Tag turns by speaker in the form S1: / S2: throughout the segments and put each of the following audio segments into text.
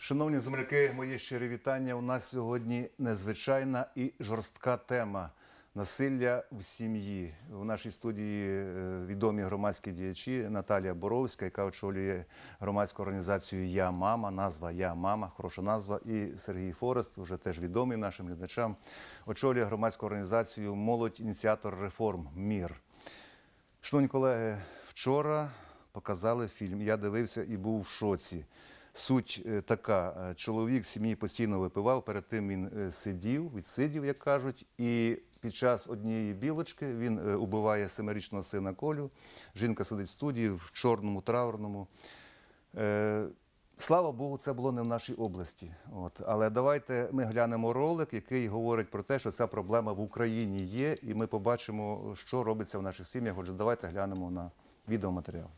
S1: Шановні земляки, мої щирі вітання. У нас сьогодні незвичайна і жорстка тема – насилля в сім'ї. У нашій студії відомі громадські діячі Наталія Боровська, яка очолює громадську організацію «Я мама», назва «Я мама», хороша назва, і Сергій Форест, вже теж відомий нашим глядачам, очолює громадську організацію «Молодь. Ініціатор реформ. МІР». Шановні колеги, вчора показали фільм, я дивився і був в шоці. Суть така, чоловік в сім'ї постійно випивав, перед тим він відсидів, як кажуть, і під час однієї білочки він убиває 7-річного сина Колю, жінка сидить в студії в чорному, траурному. Слава Богу, це було не в нашій області. Але давайте ми глянемо ролик, який говорить про те, що ця проблема в Україні є, і ми побачимо, що робиться в наших сім'ях. Отже, давайте глянемо на відеоматеріал.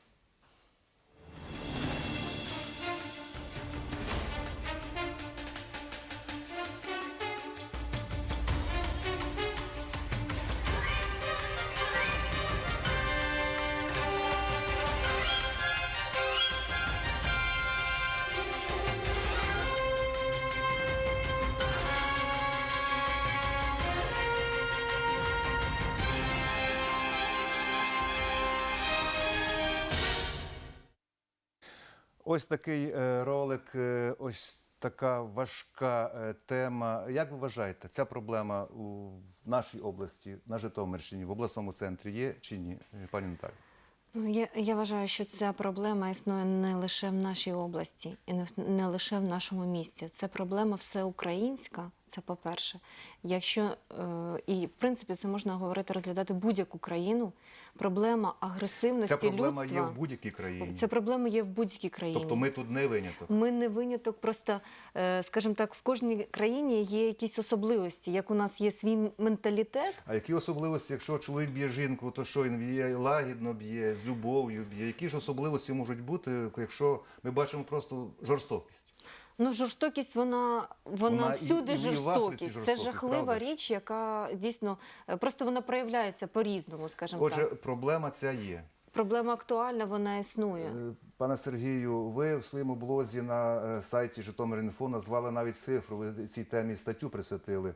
S1: Ось такий ролик, ось така важка тема. Як ви вважаєте, ця проблема у нашій області, на Житомирщині, в обласному центрі є чи ні, пані Наталі?
S2: Я вважаю, що ця проблема існує не лише в нашій області і не лише в нашому місті. Це проблема всеукраїнська, це по-перше. І, в принципі, це можна говорити, розглядати будь-яку країну. Проблема агресивності людства...
S1: Ця проблема є в будь-якій країні?
S2: Ця проблема є в будь-якій країні.
S1: Тобто ми тут не виняток?
S2: Ми не виняток, просто, скажімо так, в кожній країні є якісь особливості. Як у нас є свій менталітет...
S1: А які особливості, якщо чоловік б'є жінку, то що він б'є, лагідно б'є, з любов'ю б'є? Які ж особливості можуть бути, якщо ми бачимо просто жорстокість?
S2: Ну, жорстокість, вона всюди жорстокість. Це жахлива річ, яка дійсно, просто вона проявляється по-різному, скажімо так.
S1: Отже, проблема ця є.
S2: Проблема актуальна, вона існує.
S1: Пане Сергію, ви в своєму блозі на сайті Житомир.Інфо назвали навіть цифру, ви цій темі статтю присвятили.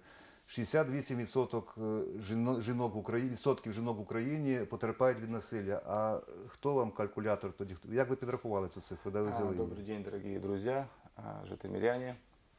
S1: 68% жінок в Україні потерпають від насилля. А хто вам калькулятор тоді? Як ви підрахували цю цифру? Де ви взяли її?
S3: Добрый день, дорогие друзья, житомиряне.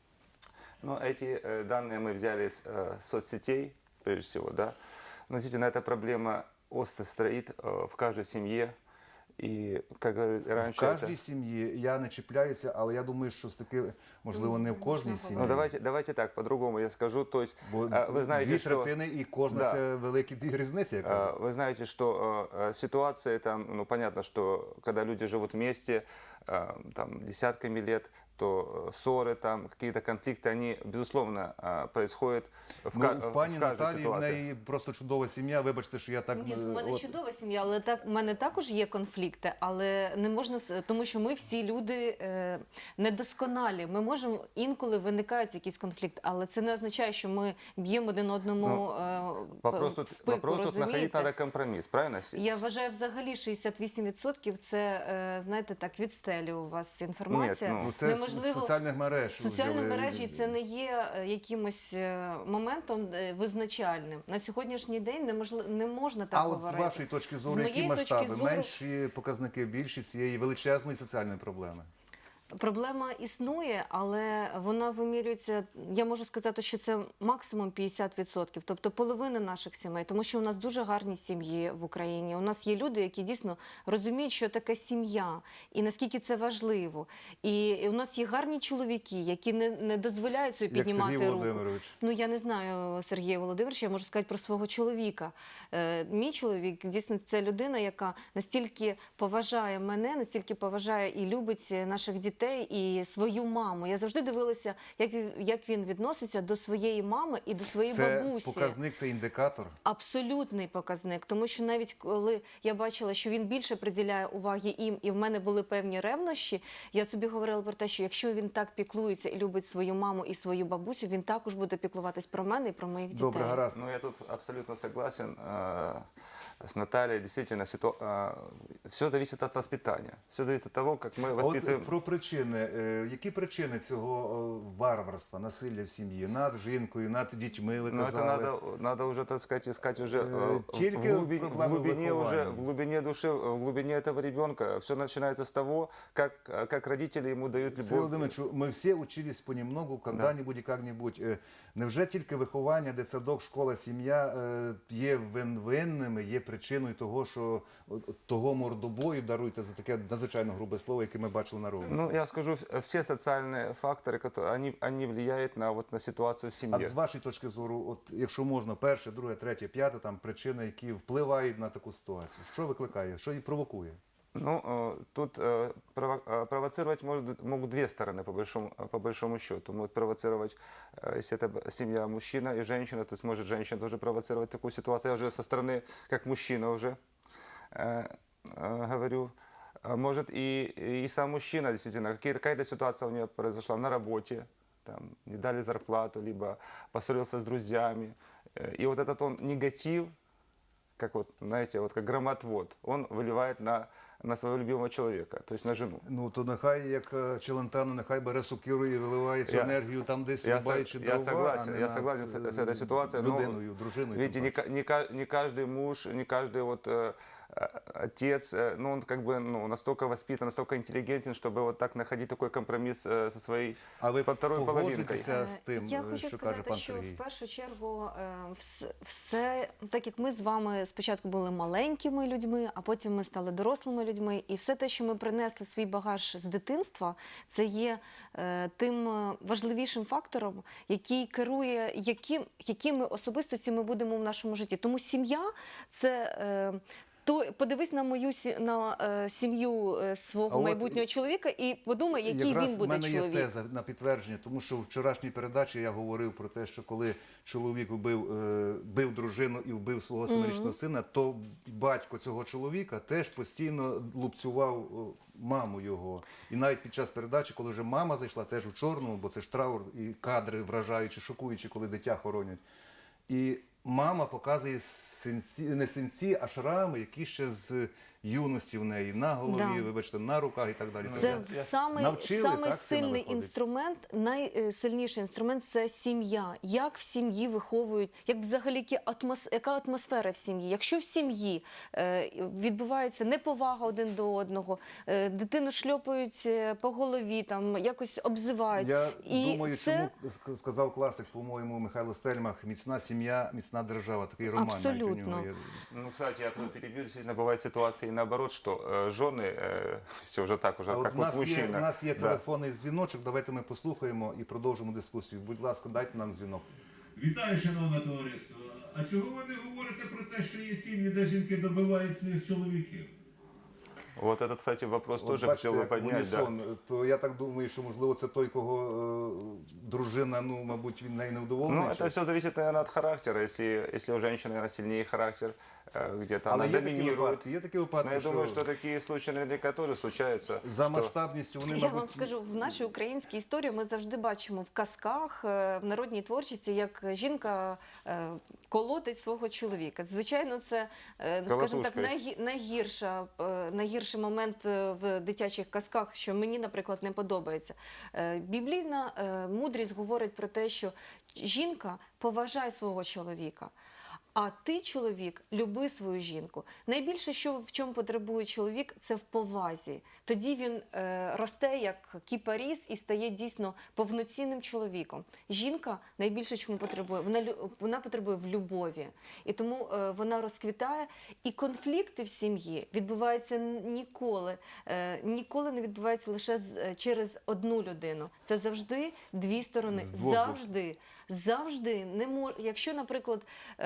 S3: Но эти данные мы взяли с соцсетей, прежде всего, да. Но, действительно, эта проблема остро стоит в каждой семье. І, як раніше,
S1: в кожній сім'ї, я не чіпляюся, але я думаю, що таки, можливо, не в кожній сім'ї.
S3: Ну, давайте так, по-другому я скажу. То есть,
S1: бо
S3: вы знаете,
S1: дві третини і кожна
S3: да,
S1: це великі дві різниці.
S3: Вы знаете, что ситуация там, ну, понятно, что когда люди живут вместе, там, десятками лет, то ссоры, там, какие-то конфликты, они, безусловно, происходят в каждой ситуации.
S1: Пані Наталії, в неї просто чудова сім'я, вибачте, що я так...
S2: Ні, в мене чудова сім'я, але в мене також є конфлікти, але не можна, тому що ми всі люди недосконалі. Ми можемо, інколи виникають якісь конфлікти, але це не означає, що ми б'ємо один одному
S3: вопрос
S2: в пику,
S3: тут находить треба компроміс, правильно?
S2: Я вважаю, взагалі 68% це, знаєте, так, від стелі у вас інформація.
S1: Ні, це з соціальних мереж.
S2: Соціальні мережі це не є якимось моментом визначальним. На сьогоднішній день не можна так говорити.
S1: А от з вашої точки зору, які масштаби? Менші показники, більші цієї величезної соціальної проблеми?
S2: Проблема існує, але вона вимірюється, я можу сказати, що це максимум 50%, тобто половина наших сімей, тому що у нас дуже гарні сім'ї в Україні. У нас є люди, які дійсно розуміють, що таке сім'я і наскільки це важливо. І у нас є гарні чоловіки, які не дозволяють собі піднімати руку.
S1: Як Сергій Володимирович.
S2: Ну, я не знаю Сергія Володимировича, я можу сказати про свого чоловіка. Мій чоловік, дійсно, це людина, яка настільки поважає мене, настільки поважає і любить наших дітей, і свою маму. Я завжди дивилася, як він відноситься до своєї мами і до своєї бабусі.
S1: Це показник, це індикатор?
S2: Абсолютний показник. Тому що навіть коли я бачила, що він більше приділяє уваги їм, і в мене були певні ревнощі, я собі говорила про те, що якщо він так піклується і любить свою маму і свою бабусю, він також буде піклуватись про мене і про моїх дітей.
S1: Добре, гаразд.
S3: Ну, я тут абсолютно согласен. с Натальей, действительно, все зависит от воспитания. Все зависит от того, как мы
S1: А
S3: воспитываем.
S1: от про причини. Які причини цього варварства, насилля в сім'ї? Над жінкою, над дітьми, ви
S3: Но это
S1: казали?
S3: надо уже, так сказать, искать уже
S1: Только проблемы выхования.
S3: в глубине души, в глубине этого ребенка. Все начинается с того, как родители ему дают
S1: Сергій
S3: любовь.
S1: Володимирович, ми всі учились понемногу, когда-нибудь і как-нибудь. Невже тільки виховання, дитсадок, школа, сім'я є винними, є причиною того, що того мордобою, даруйте за таке надзвичайно грубе слово, яке ми бачили на ровні?
S3: Ну, я скажу, все социальные факторы, они влияют на ситуацию в
S1: А
S3: семье.
S1: з вашої точки зору, от якщо можна, перше, друге, третє, п'яте, там причини, які впливають на таку ситуацію, що викликає, що її провокує?
S3: Ну, тут провоцировать могут две стороны, по большому счету. Могут провоцировать, если это семья, мужчина и женщина, то есть может женщина тоже провоцировать такую ситуацию. Я уже со стороны, как мужчина уже говорю. Может и сам мужчина, действительно, какая-то ситуация у него произошла на работе, там, не дали зарплату, либо поссорился с друзьями. И вот этот он негатив, как вот, знаете, вот как громотвод, он выливает на своего любимого человека, то есть на жену.
S1: Ну, то нехай, як Челентано, нехай бере сокиру і виливає цю
S3: Я-
S1: енергію там десь
S3: я
S1: рубаючи
S3: со-
S1: дрова,
S3: я согласен,
S1: а не
S3: я
S1: над,
S3: согласен с этой ситуацией, но,
S1: людиною, дружиною.
S3: Видите,
S1: тим паче.
S3: не каждый муж, не каждый вот отец, ну он как бы настолько воспитан, настолько интеллигентен, чтобы вот так находить такой компромисс со своей
S1: А ви
S3: со второй половинкой.
S1: погоджуєтеся з тим,
S2: Я хочу
S1: що каже
S2: сказати,
S1: пан
S2: що
S1: Сергій?
S2: в першу чергу все, так як ми з вами спочатку були маленькими людьми, а потім ми стали дорослими людьми, і все те, що ми принесли свій багаж з дитинства, це є тим важливішим фактором, який керує, якими особистості ми будемо в нашому житті. Тому сім'я це. То подивись на сім'ю свого
S1: А от
S2: майбутнього чоловіка і подумай, який
S1: Якраз
S2: він
S1: в
S2: буде
S1: мене є
S2: чоловік.
S1: теза на підтвердження, тому що в вчорашній передачі я говорив про те, що коли чоловік бив дружину і вбив свого семирічного сина, то батько цього чоловіка теж постійно лупцював маму його. І навіть під час передачі, коли вже мама зайшла теж в чорному, бо це ж траур і кадри вражаючі, шокуючі, коли дитя хоронять. І мама показує не синці, а шрами, які ще з юності в неї на голові,
S2: Да.
S1: вибачте, на руках і так далі.
S2: Це
S1: Навчили,
S2: самий
S1: так, сина
S2: сильний
S1: виходить?
S2: інструмент, найсильніший інструмент це сім'я. Як в сім'ї виховують, як взагалі яка атмосфера в сім'ї. Якщо в сім'ї відбувається неповага один до одного, дитину шльопають по голові, там якось обзивають.
S1: Я
S2: І
S1: думаю,
S2: це...
S1: чому сказав класик, по-моєму, Михайло Стельмах, міцна сім'я, міцна держава. Такий роман навіть у
S2: Абсолютно.
S1: нього є.
S3: Ну, кстати, я перебью, действительно бывают ситуации наоборот, что жены, все уже так, уже
S1: А
S3: как
S1: от
S3: вот мужчина.
S1: у нас є
S3: Да.
S1: телефонний дзвіночок, давайте ми послухаємо і продовжимо дискусію. Будь ласка, дайте нам дзвінок.
S4: Вітаю, шановне товариство. А чого ви не говорите про те, що є сім'ї, де жінки добивають своїх чоловіків?
S3: Вот этот, кстати, вопрос
S1: От
S3: тоже
S1: бачите,
S3: хотел бы
S1: як
S3: поднять. Да.
S1: унісон, то я так думаю, що можливо це той, кого дружина, ну, мабуть, він нею не вдоволений.
S3: Ну, это все зависит, наверное, от характера. Если у женщины, наверное, сильнее характер, где-то
S1: Але
S3: она
S1: є такі
S3: доминирует.
S1: випадки,
S3: Но я думаю, что такие случаи наверняка тоже случаются.
S1: за
S3: что-
S1: масштабністю вони,
S2: Я
S1: мабуть,
S2: вам скажу, в нашій українській історії ми завжди бачимо в казках, в народній творчості, як жінка колотить свого чоловіка. Звичайно, це, скажімо так,
S3: Колотушкою.
S2: найгірший момент в дитячих казках, що мені, наприклад, не подобається. Біблійна мудрість говорить про те, що жінка поважає свого чоловіка. А ти, чоловік, люби свою жінку. Найбільше, що в чому потребує чоловік, це в повазі. Тоді він росте як кіпаріс і стає дійсно повноцінним чоловіком. Жінка найбільше чому потребує? Вона потребує в любові. І тому вона розквітає. І конфлікти в сім'ї відбуваються ніколи не відбуваються лише через одну людину. Це завжди дві сторони.
S1: З двох боку.
S2: Завжди не може. Якщо, наприклад,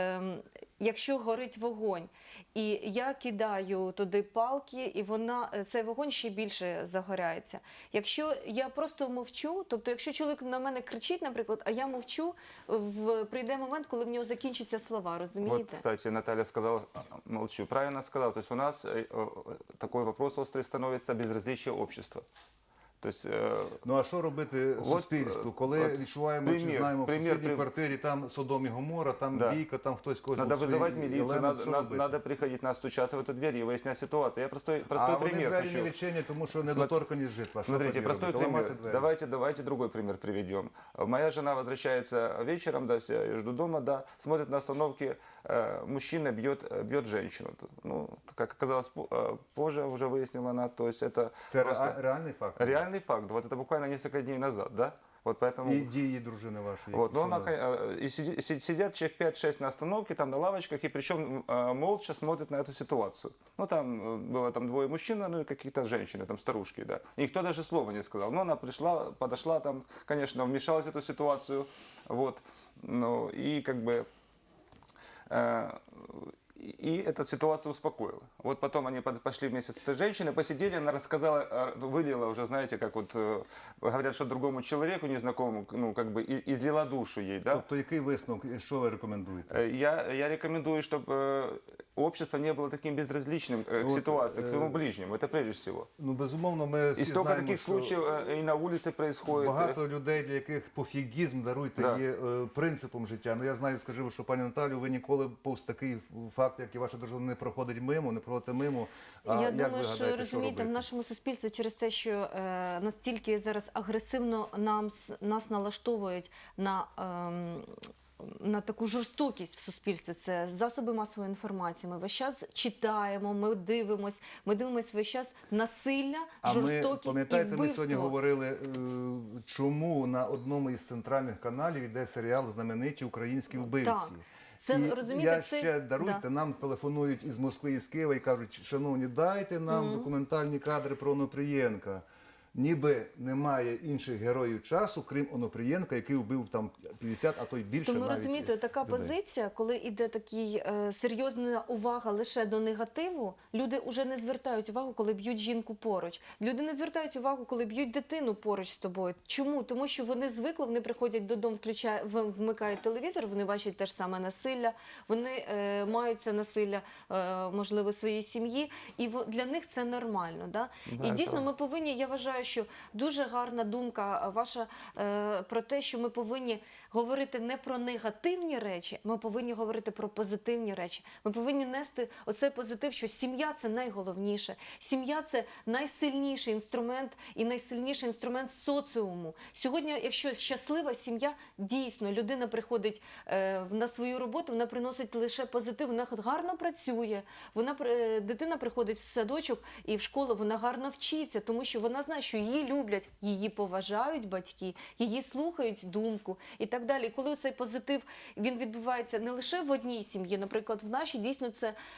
S2: якщо горить вогонь, і я кидаю туди палки, і цей вогонь ще більше загоряється. Якщо я просто мовчу, тобто якщо чоловік на мене кричить, наприклад, а я мовчу, прийде момент, коли в нього закінчаться слова, розумієте?
S3: Вот, кстати, Наталья сказала, молчу, правильно сказала. То есть у нас такой вопрос острый становится безразличие общества. То есть,
S1: Ну а що робити
S3: От,
S1: суспільству, коли
S3: от
S1: відчуваємо чи
S3: примір,
S1: знаємо в
S3: примір,
S1: сусідній
S3: при-
S1: квартирі там Содом і Гомора, там
S3: Да.
S1: бійка, там хтось когось
S3: надо
S1: обстрілює,
S3: вызывать милицию,
S1: елемент, що робити?
S3: надо приходить, надо стучаться в эту дверь и выяснять ситуацию. Я простой
S1: А вони
S3: пример
S1: двері
S3: хочу.
S1: не відчинять, тому що недоторканість житла. Що
S3: Смотрите,
S1: тоді
S3: простой
S1: робити? Ламати
S3: пример.
S1: двері.
S3: Давайте другой пример приведем. Моя жена возвращается вечером, да, я её жду дома, да, смотрит на остановке, мужчина бьет женщину. Ну, как оказалось позже, уже выяснила она, то есть это
S1: Це
S3: просто
S1: реальний факт?
S3: реальный факт. Вот это буквально несколько дней назад, да. Вот поэтому...
S1: І дії дружини вашої.
S3: Вот, но
S1: що
S3: она,
S1: вони?
S3: и сидят человек 5-6 на остановке, там на лавочках, и причем молча смотрят на эту ситуацию. Ну, там было там двое мужчин, ну, и какие-то женщины, там старушки, да. И никто даже слова не сказал. Но она пришла, подошла, там, конечно, вмешалась в эту ситуацию, вот. Ну, и как бы... И эта ситуация успокоила. Вот потом они пошли вместе с этой женщиной, посидели, она рассказала, вылила уже, знаете, как вот говорят, что другому человеку незнакомому, ну, как бы излила душу ей, да.
S1: Тобто який висновок, і що ви рекомендуєте?
S3: Я рекомендую, чтобы общество не было таким безразличным к
S1: Вот,
S3: ситуации, к своему ближнему. Это прежде всего.
S1: Ну, безумовно, ми всі
S3: И столько
S1: знаємо,
S3: таких
S1: що
S3: случаев и на улице происходит.
S1: багато людей, для яких пофігізм, даруйте,
S3: Да.
S1: є принципом життя. Ну, я знаю, скажу, що, пані Наталю, ви ніколи повз такий факт, як і ваша дружина, не проходить мимо, не проходите мимо. А
S2: Я
S1: як
S2: думаю,
S1: ви
S2: що
S1: гадаєте,
S2: розумієте, в
S1: робити?
S2: нашому суспільстві через те, що настільки зараз агресивно нас налаштовують на таку жорстокість в суспільстві, це засоби масової інформації. Ми весь час читаємо, ми дивимося весь час насилля,
S1: А ми,
S2: жорстокість і
S1: пам'ятаєте, ми
S2: вбивство.
S1: сьогодні говорили, чому на одному із центральних каналів йде серіал «Знамениті українські вбивці».
S2: Так. Це,
S1: І
S2: розумієте,
S1: я
S2: це-
S1: ще, даруйте,
S2: да.
S1: нам телефонують із Москви, із Києва і кажуть, шановні, дайте нам документальні кадри про Онопрієнка. Ніби немає інших героїв часу, крім Онопрієнка, який вбив там 50, а то й більше
S2: Тому
S1: навіть
S2: розумієте, така
S1: людей.
S2: позиція, коли йде такий серйозна увага лише до негативу, люди вже не звертають увагу, коли б'ють жінку поруч. Люди не звертають увагу, коли б'ють дитину поруч з тобою. Чому? Тому що вони звикли, вони приходять додому, вмикають телевізор, вони бачать те ж саме насилля, вони мають це насилля, можливо, своїй сім'ї, і для них це нормально. Да? І дійсно ми повинні, я вважаю, що дуже гарна думка ваша про те, що ми повинні говорити не про негативні речі, ми повинні говорити про позитивні речі. Ми повинні нести оцей позитив, що сім'я – це найголовніше. Сім'я – це найсильніший інструмент і найсильніший інструмент соціуму. Сьогодні, якщо щаслива сім'я, дійсно, людина приходить на свою роботу, вона приносить лише позитив, вона гарно працює, дитина приходить в садочок і в школу, вона гарно вчиться, тому що вона знає, що її люблять, її поважають батьки, її слухають думку і так далі. І коли цей позитив, він відбувається не лише в одній сім'ї, наприклад, в нашій, дійсно,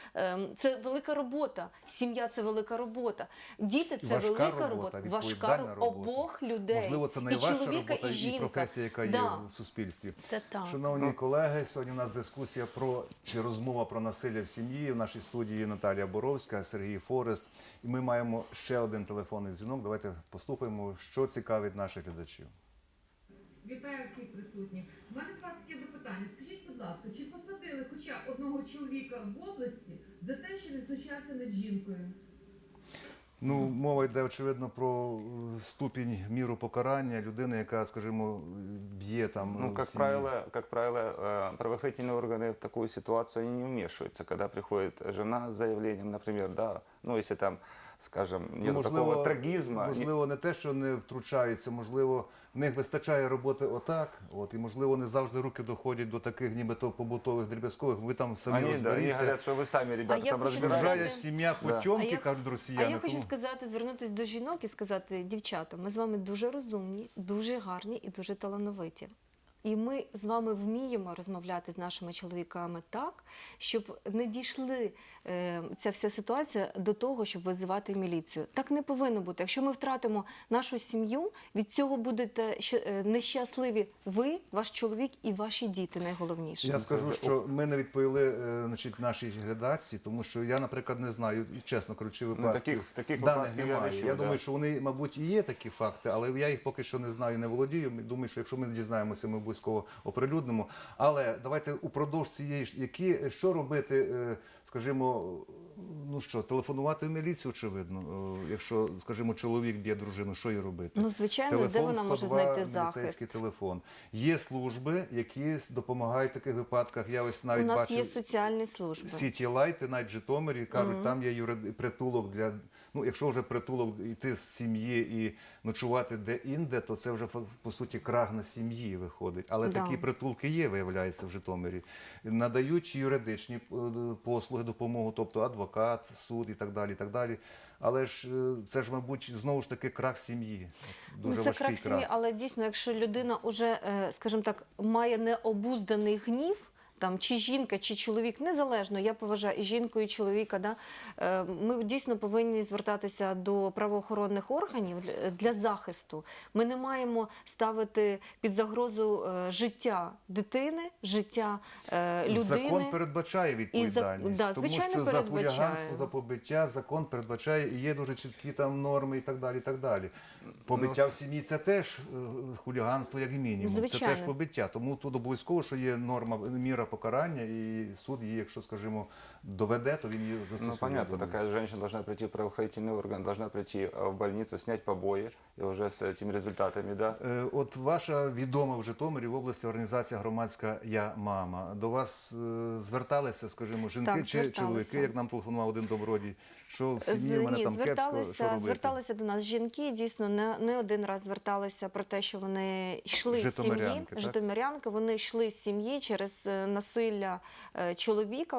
S2: це велика робота. Сім'я – це велика робота. Діти – це
S1: Важка
S2: велика
S1: робота,
S2: робота. Важка
S1: відповідальна робота.
S2: обох людей.
S1: Можливо, це
S2: і
S1: найважча
S2: чоловіка,
S1: робота
S2: і жінка.
S1: професія, яка є
S2: Да.
S1: в суспільстві.
S2: Це так.
S1: Шановні колеги, сьогодні у нас дискусія чи розмова про насилля в сім'ї. В нашій студії Наталія Боровська, Сергій Форест. І ми маємо ще один телефонний дзвінок. Давайте послухаємо, що цікавить наших глядачів.
S5: Вітаю всіх присутніх. У мене до вас є запитання. Скажіть, будь ласка, чи посадили хоча одного чоловіка в області за те, що він знущався над жінкою?
S1: Ну, мова йде, очевидно, про ступінь міру покарання людини, яка, скажімо, б'є там
S3: Ну,
S1: в
S3: как
S1: сім'ї.
S3: правило, правоохранительные органы в такую ситуацию они не вмешиваются, когда приходит жена с заявлением, например, да, ну, если там, скажем, нет такого трагизма.
S1: Можливо, не те, що не втручаються, можливо, в них вистачає роботи отак, і, можливо, не завжди руки доходять до таких нібито побутових, дріб'язкових. Ви там самі
S3: Они, да, они
S1: розберіться.
S3: говорят, что вы сами, ребята,
S2: я
S3: там
S2: хочу
S3: разбираетесь.
S1: Чужая сім'я
S3: Да.
S1: потьомки,
S2: А я-
S1: кажуть
S2: А
S1: росіяни.
S2: я хочу
S1: тому-
S2: сказати, звернутися до жінок і сказати, дівчата, ми з вами дуже розумні, дуже гарні і дуже талановиті. І ми з вами вміємо розмовляти з нашими чоловіками так, щоб не дійшли ця вся ситуація до того, щоб визивати міліцію. Так не повинно бути. Якщо ми втратимо нашу сім'ю, від цього будете нещасливі ви, ваш чоловік і ваші діти найголовніше.
S1: Я скажу, що ми не відповіли нашій глядачці, тому що я, наприклад, не знаю, і чесно кажучи, випадків.
S3: таких
S1: даних
S3: випадків я
S1: немає.
S3: не чув,
S1: Я
S3: да.
S1: думаю, що вони, мабуть, і є такі факти, але я їх поки що не знаю, не володію. Думаю, що якщо ми дізнаємося, ми будемо обов'язково оприлюднимо. Але давайте упродовж цієї ж, що робити, скажімо, ну що, телефонувати в міліцію, очевидно, якщо, скажімо, чоловік б'є дружину, що їй робити?
S2: Ну, звичайно, де
S1: Телефон
S2: вона може
S1: 102,
S2: знайти захист?
S1: міліцейський телефон. Є служби, які допомагають в таких випадках. Я ось навіть
S2: У нас
S1: бачив
S2: є соціальні служби.
S1: Сіті Лайти, навіть в Житомирі, кажуть, там є притулок для, ну, якщо вже притулок йти з сім'ї і ночувати де-інде, то це вже, по суті, крах на сім'ї виходить. Але
S2: Да.
S1: такі притулки є, виявляється, в Житомирі. Надають юридичні послуги, допомогу, тобто адвокат, суд і так далі, і так далі. Але ж це ж, мабуть, знову ж таки крах сім'ї. От дуже
S2: Ну, це
S1: важкий
S2: крах сім'ї, але дійсно, якщо людина вже, скажімо так, має необузданий гнів, там, чи жінка, чи чоловік, незалежно, я поважаю і жінку, і чоловіка, да? Ми дійсно повинні звертатися до правоохоронних органів для захисту. Ми не маємо під загрозу життя дитини, життя людини.
S1: Закон передбачає відповідальність,
S2: да,
S1: тому
S2: звичайно,
S1: що за
S2: передбачає.
S1: хуліганство, за побиття закон передбачає, і є дуже чіткі там норми і так далі, і так далі. Побиття в сім'ї – це теж хуліганство, як і мінімум.
S2: Звичайно.
S1: Це теж побиття. Тому тут обов'язково, що є норма, міра покарання, і суд її, якщо, скажімо, доведе, то він її застосує.
S3: Ну, понятно,
S1: думаю.
S3: такая женщина должна прийти в правоохранительный орган, должна прийти в больницу, снять побои, и уже с этими результатами, да.
S1: От ваша відома в Житомирі в області організація громадська «Я мама». До вас зверталися, скажімо, жінки
S2: Так,
S1: чи
S2: зверталися.
S1: чоловіки, як нам телефонував один добродій, що в сім'ї в мене
S2: Ні,
S1: там кепсько, що робити?
S2: зверталися до нас жінки, дійсно, не один раз зверталися про те, що вони йшли з сім'ї,
S1: Житомирянки, так?
S2: житомирянки, вони йшли з сім'ї через насилля чоловіка,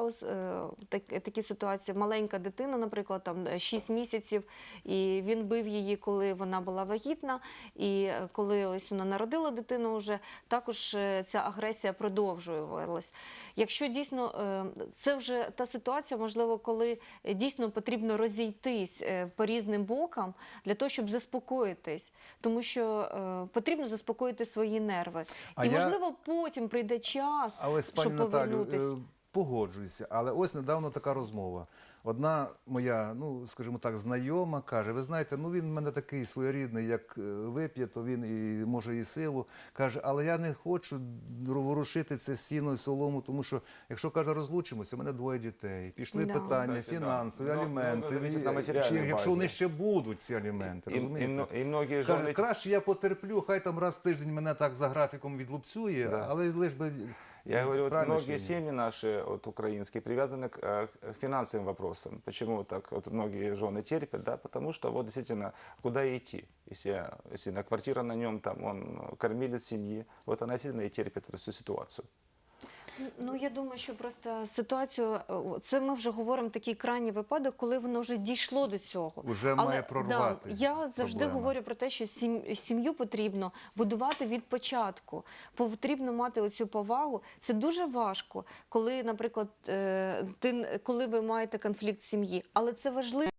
S2: такі ситуації, маленька дитина, наприклад, там 6 місяців, і він бив її, коли вона була вагітна, і коли ось вона народила дитину вже, також ця агресія продовжувалась. Якщо дійсно, це вже та ситуація, можливо, коли дійсно потрібно розійтись по різним бокам для того, щоб заспокоїтись, тому що потрібно заспокоїти свої нерви.
S1: А
S2: І,
S1: я-
S2: можливо, потім прийде час,
S1: А ось, пані
S2: щоб
S1: Наталю,
S2: повернутись.
S1: погоджуюся, але ось недавно така розмова. Одна моя, ну, скажімо так, знайома каже, ви знаєте, ну він в мене такий своєрідний, як вип'є, то він і може і силу. Каже, але я не хочу ворушити це сіно і солому, тому що, якщо, каже, розлучимося, у мене 2 дітей, пішли
S2: Да.
S1: питання,
S3: Кстати, да.
S1: фінансові,
S3: Много
S1: аліменти,
S3: зависить на матеріальній
S1: чи, якщо
S3: базі.
S1: вони ще будуть, ці аліменти, розумієте?
S3: И многие
S1: Каже,
S3: жены...
S1: краще я потерплю, хай там раз в тиждень мене так за графіком відлупцює,
S3: Да.
S1: але лиш би...
S3: Я говорю, вот
S1: правильно
S3: многие
S1: чи ні?
S3: семьи наши, вот, украинские, привязаны к финансовым вопросам. Почему так вот многие жены терпят? Да? Потому что вот действительно, куда идти? Если на квартира на нем, там он кормилец семьи, вот она сильно и терпит эту всю ситуацию.
S2: Ну, я думаю, що просто ситуацію, це ми вже говоримо такий крайній випадок, коли воно вже дійшло до цього.
S1: Уже має прорвати
S2: я завжди
S1: проблема.
S2: говорю про те, що сім'ю потрібно будувати від початку, потрібно мати оцю повагу. Це дуже важко, коли, наприклад, коли ви маєте конфлікт в сім'ї, але це важливо.